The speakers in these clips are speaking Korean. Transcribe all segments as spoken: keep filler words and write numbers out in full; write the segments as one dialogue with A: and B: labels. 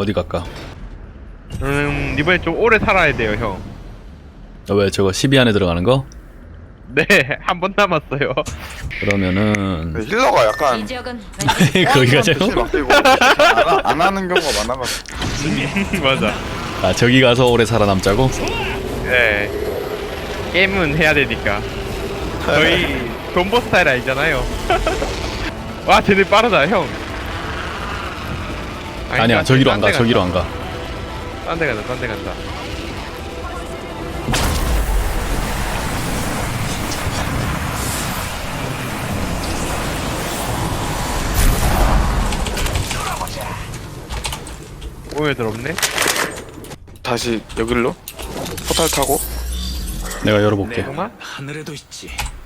A: 어디 갈까?
B: 음 이번에 좀 오래 살아야 돼요 형.
A: 어, 왜 저거 십이 안에 들어가는 거?
B: 네, 한 번 남았어요.
A: 그러면은
C: 네, 힐러가 약간
D: 이 지역은
A: 거기가 제일
C: 힐 맡기고 안, 하- 안 하는 경우가 많아가지고.
B: 맞아.
A: 아 저기 가서 오래 살아남자고?
B: 네. 게임은 해야 되니까. 저희 존버 스타일 아니잖아요. 와, 쟤네 빠르다 형.
A: 아니야 저기로 안 가 저기로 안 가.
B: 딴 데 간다, 딴 데 간다. 오해들 없네?
C: 다시 여길로 포탈 타고.
A: 내가 열어볼게.
B: 잠깐만.
E: 하늘에도 있지.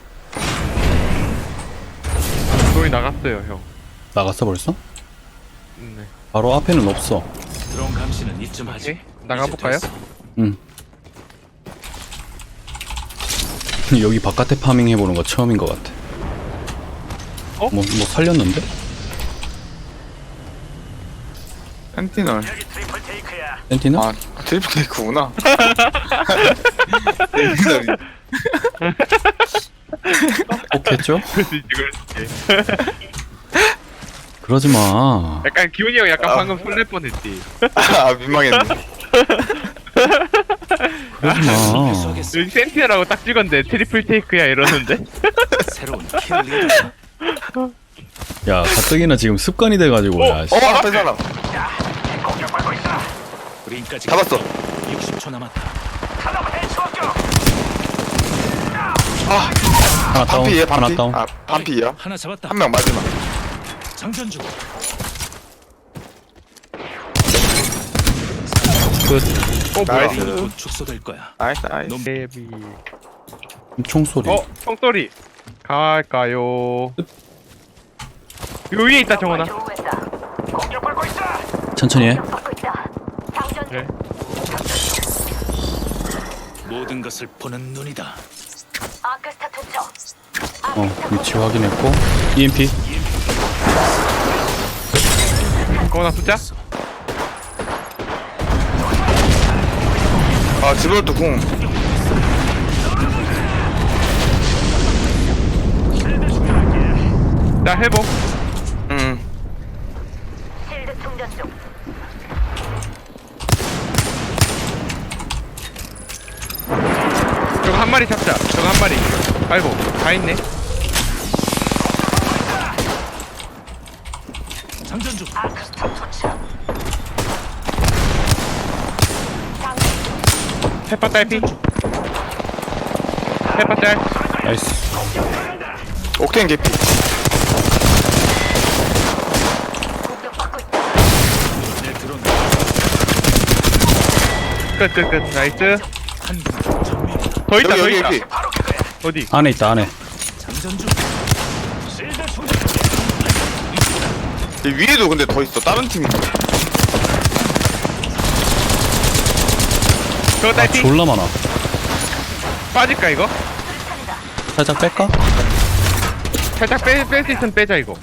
B: 소리 나갔어요 형.
A: 나갔어 벌써?
B: 음, 네.
A: 바로 앞에는 없어.
E: 드론 감시는 이쯤 하지.
B: 오케이. 나가볼까요?
E: 이제 됐어.
A: 응. 여기 바깥에 파밍 해보는 거 처음인 것 같아.
B: 어?
A: 뭐, 뭐 살렸는데?
C: 센티널.
A: 센티나?
C: 아 트리플 테이크구나. 센티널이.
A: 꼭 했죠?
B: 그렇지, 그렇지.
A: 그러지 마.
B: 약간 기훈이 형 약간
C: 아.
B: 방금 설렐 뻔했지.
C: 아 민망했네.
A: 그러지 마.
E: 쏘겠어.
B: 여기 센티라고 딱 찍었는데 트리플 테이크야 이러는데?
E: 새로운 킬 리더.
A: 야 가뜩이나 지금 습관이 돼가지고 야. 씨.
C: 어 앞에 사람.
E: 우리까지
C: 잡았어.
E: 육십 초 남았다.
C: 아
A: 하나 다운.
C: 반피에
A: 하나
C: 반피.
A: 다운.
C: 아 반피야.
E: 하나 잡았다.
C: 한 명 마지막.
E: 장전 중.
A: 끝.
B: 어 뭐야?
C: 나이스.
E: 곧 축소될 거야.
C: 나이스 나이스.
E: 놈
B: 데비.
A: 총소리.
B: 어 총소리. 갈까요? 요 위에 있다 정원아.
A: 천천히 해.
B: 그래.
E: 모든 것을 보는 눈이다.
A: 어 위치 확인했고. 이엠피.
B: 정원아 숫자?
C: 아 지브롤트 궁.
B: 자 회복.
C: 음.
B: 저거 한 마리 잡자. 저거 한 마리. 아이고 다 있네.
E: 장전 중.
B: 페파 딸피. 페파 짤.
A: 나이스.
C: 옥테인 개피.
E: 내 드론
B: 끝끝끝 나이스.
E: 한 분. 정밀이다.
B: 더 있다
C: 여기
B: 더
C: 여기
B: 있다.
C: 개피.
B: 어디?
A: 안에 있다 안에.
E: 장전 중. 실드 충전.
C: 이 위에도 근데 더 있어. 다른 팀이.
B: 저거
A: 아
B: 딸피.
A: 졸라 많아.
B: 빠질까 이거?
A: 살짝 뺄까?
B: 살짝 빼뺄 수 있으면 빼자 이거.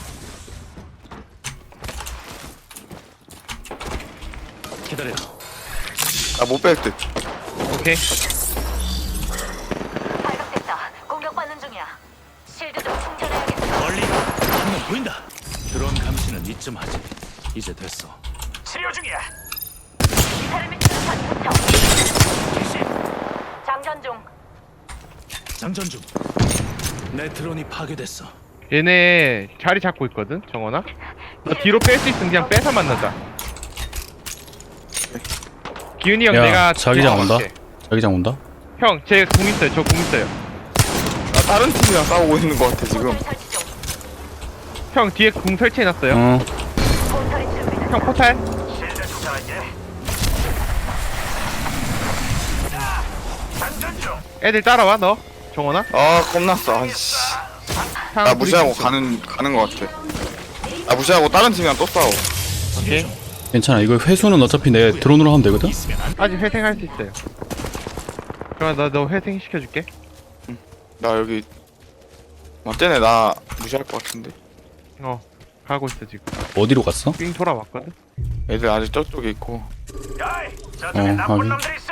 E: 기다려.
C: 아못 뺄 듯.
B: 오케이.
D: 발각됐다. 공격받는 중이야. 실드 좀 충전해야겠어.
E: 멀리 한 명 보인다. 드론 감시는 이쯤 하지. 이제 됐어. 치료 중이야.
D: 기사를 미치는 전투. 장전 중.
E: 장전 중. 내 드론이 파괴됐어.
B: 얘네 자리 잡고 있거든 정원아. 너 뒤로 뺄 수 있으면 그냥 빼서 만나자. 기훈이 형
A: 야
B: 내가
A: 자기장 온다.
B: 뒤에
A: 자기장 온다.
B: 형, 제 궁 있어요. 저 궁 있어요.
C: 아 다른 팀이랑 싸우고 있는 것 같아 지금.
D: 포탈 설치 중.
B: 형 뒤에 궁 설치해놨어요.
A: 어.
D: 포탈이 준비됐다.
B: 형 포탈.
E: 실드 충전할게. 장전 중.
B: 애들 따라와 너. 정원아.
C: 아 겁났어. 아이씨.
B: 형,
C: 나 무시하고
B: 우리
C: 가는 가는 것 같아. 나 무시하고 다른 팀이랑 또 싸워.
B: 오케이.
A: 괜찮아. 이거 회수는 어차피 내 드론으로 하면 되거든.
E: 있으면 안
B: 아직 회생할 수 있어요. 정원아 나너 회생 시켜줄게.
C: 나 여기 맞쟤네 나 무시할 것 같은데.
B: 어 가고 있어 지금.
A: 어디로 갔어?
B: 삥 돌아왔거든.
C: 애들 아직 저쪽에 있고.
A: 어 하긴.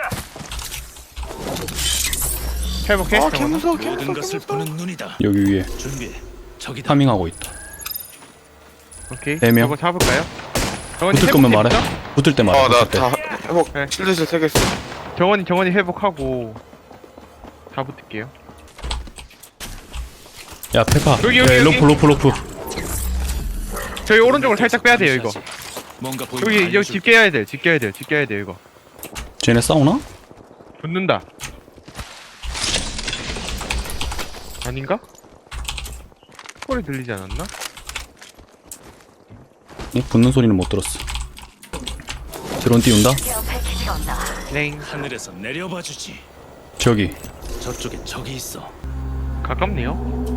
B: 회복해.
C: 아
B: 정원아.
C: 개무서워
E: 모든
C: 개무서워
E: 것을
C: 개무서워.
E: 보는 눈이다.
A: 여기 위에
E: 준비해. 저기다.
A: 파밍하고 있다.
B: 오케이.
A: 네 명.
B: 저거 잡을까요? 정원이
A: 붙을 거면
B: 회복해
A: 말해.
B: 있어?
A: 붙을 때 말해. 붙을 때.
C: 어나 다 회복
B: 네.
C: 실드실 세 개 써.
B: 정원이 정원이 회복하고 다 붙을게요.
A: 야 페파.
B: 여기, 여기,
A: 야,
B: 여기.
A: 로프 로프 로프.
B: 저희 오른쪽으로 살짝 빼야 돼요 이거.
E: 뭔가 보이면
B: 여기 여기
E: 알려줄게.
B: 집 깨야 돼. 집 깨야 돼. 집 깨야 돼 이거.
A: 쟤네 싸우나?
B: 붙는다. 아닌가? 소리 들리지 않았나?
A: 응? 붙는 소리는 못 들었어. 드론 띄운다?
D: 케어 패키지가 온다.
B: 넹.
E: 하늘에서 내려봐 주지.
A: 저기.
E: 저쪽에 적이 있어.
B: 가깝네요.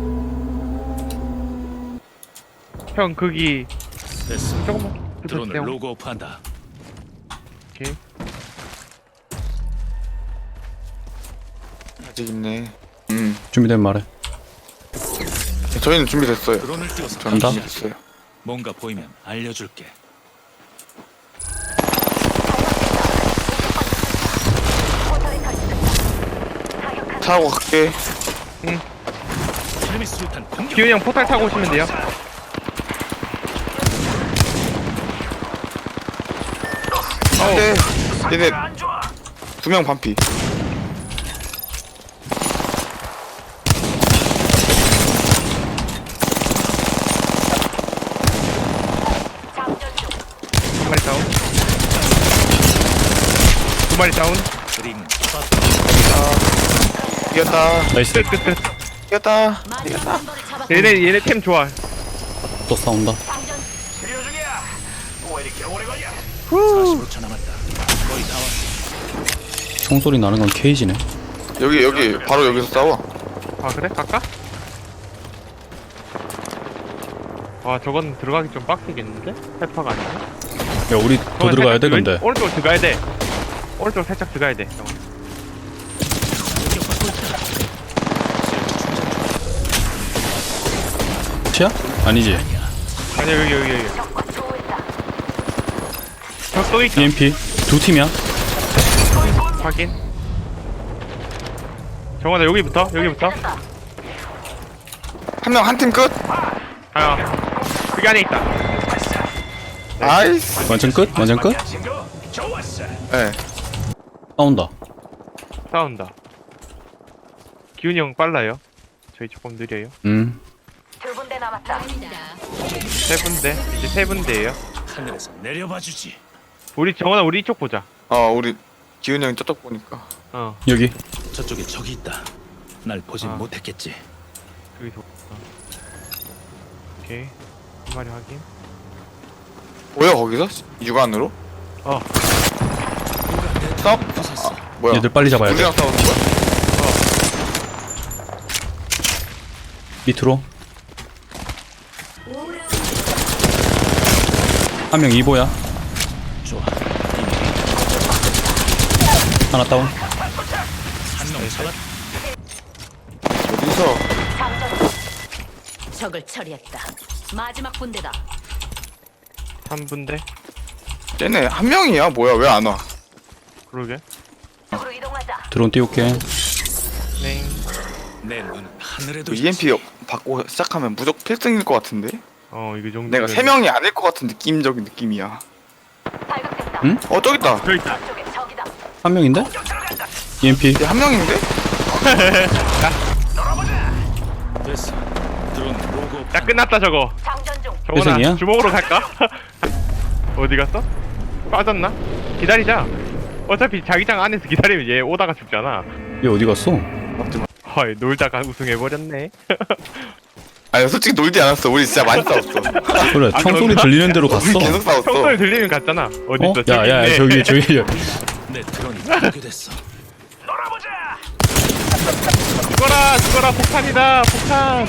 B: 형 거기
E: 됐어.
B: 조금만
E: 드론을
B: 붙여주세요.
E: 로그오프한다.
B: 오케이.
C: 아직 있네. 음
A: 준비되면 말해.
C: 저희는 준비됐어요.
E: 드론을 띄워서
C: 저는
A: 간다.
C: 준비됐어요.
E: 뭔가 보이면 알려줄게.
D: 포털이 설치됐다. 사격한
C: 타고 갈게.
E: 테르미 수류탄 공격.
B: 기훈이 형 포탈 타고 오시면 돼요.
C: 네. 얘네 두 명 반피.
D: 장전 중.
B: 한 마리 다운. 두 마리 다운.
E: 그림.
C: 이겼다.
A: 나이스.
B: 끝끝끝.
C: 이겼다.
D: 마지막 멤버를 잡았고
B: 얘네 얘네 템 좋아.
A: 또 싸운다.
D: 장전
E: 사십오 초 남았다. 거의 다 왔어.
A: 총소리 나는 건 케이지네.
C: 여기 여기 바로 여기서 싸워.
B: 아 그래? 갈까? 와 저건 들어가기 좀 빡세겠는데? 페퍼가 아니고.
A: 야 우리 더 들어가야 돼 근데.
B: 오른쪽으로 들어가야 돼. 오른쪽으로 살짝 들어가야 돼. 잠깐만.
E: 공격받고 있다.
A: 치야? 아니지.
B: 아니야 여기 여기 여기.
D: 적과 조우했다.
B: 적도 있다.
A: 이엠피 두 팀이야.
B: 확인. 정원아 여기부터 여기부터.
C: 한 명 한 팀 끝.
B: 아 여기 안에 있다.
C: 아이스.
A: 완전 끝? 완전 끝?
C: 네.
A: 싸운다.
B: 싸운다. 기훈이 형 빨라요. 저희 조금 느려요.
A: 음.
D: 두 군데 남았다.
B: 세 군데 이제 세 군데예요.
E: 하늘에서 내려봐 주지.
B: 우리 정원아 우리 이쪽 보자.
C: 어 우리 기훈이 형이 저쪽 보니까.
B: 어
A: 여기.
E: 저쪽에 적이 있다. 날 보진
B: 아.
E: 못했겠지.
B: 여기서. 어. 오케이 한 마리 확인.
C: 뭐야 거기서? 육안으로?
B: 어
C: 싸워?
E: 부쉈어.
C: 아, 뭐야?
A: 얘들 빨리 잡아야 돼.
C: 우리랑 싸우는 거야?
A: 밑으로. 한 명 이보야.
E: 좋아.
A: 하나 다운.
E: 한명 잡았.
C: 어디서?
D: 장전 중. 적을 처리했다. 마지막 군대다.
B: 삼 분대.
C: 쟤네 한 명이야? 뭐야 왜 안 와?
B: 그러게.
D: 쪽으로 이동하자.
A: 드론 띄울게.
B: 네.
E: 내 눈은 하늘에도
C: 그 이엠피 받고 시작하면 무조건 필승일 것 같은데?
B: 어 이거 정도.
C: 내가 세 명이 아닐 것 같은 느낌적인 느낌이야.
D: 발각됐다.
A: 응?
C: 어 저기 있다.
B: 저기 있다.
D: 쪽에 적이다.
A: 한 명인데? 이엠피.
C: 얘 한 명인데?
E: 됐어. 드론 로그오프.
B: 야 끝났다 저거.
D: 장전 중.
B: 정원아
A: 회생이야?
B: 주먹으로 갈까? 어디 갔어? 빠졌나? 기다리자. 어차피 자기장 안에서 기다리면 얘 오다가 죽잖아.
A: 얘 어디 갔어?
B: 헐 놀다가 우승해버렸네.
C: 아니 솔직히 놀지 않았어. 우리 진짜 많이 싸웠어.
A: 그래
B: 아,
A: 총소리
B: 그런가?
A: 들리는 대로 갔어.
C: 우리 계속 싸웠어.
B: 평소에 들리면 갔잖아. 어딨어?
A: 어?
B: 저기
A: 야야
B: 있네.
A: 저기 저기
E: 내 드론이 파괴됐어.
B: 죽어라 죽어라 폭탄이다 폭탄.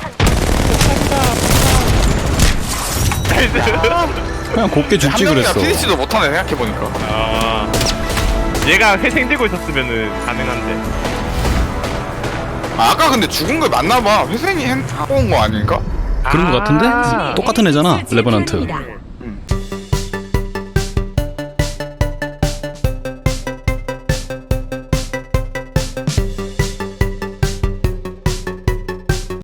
B: 폭탄이다 폭탄.
A: 그냥 곱게
C: 한
A: 죽지
C: 명이나
A: 그랬어.
C: 피니시도 못하네 생각해보니까.
B: 아 얘가 회생 들고 있었으면은 가능한데.
C: 아, 아까 근데 죽은 거 맞나봐. 회생이 한- 하고 온 거 아닌가?
A: 그런 거
B: 아.
A: 같은데? 똑같은 애잖아 레버넌트.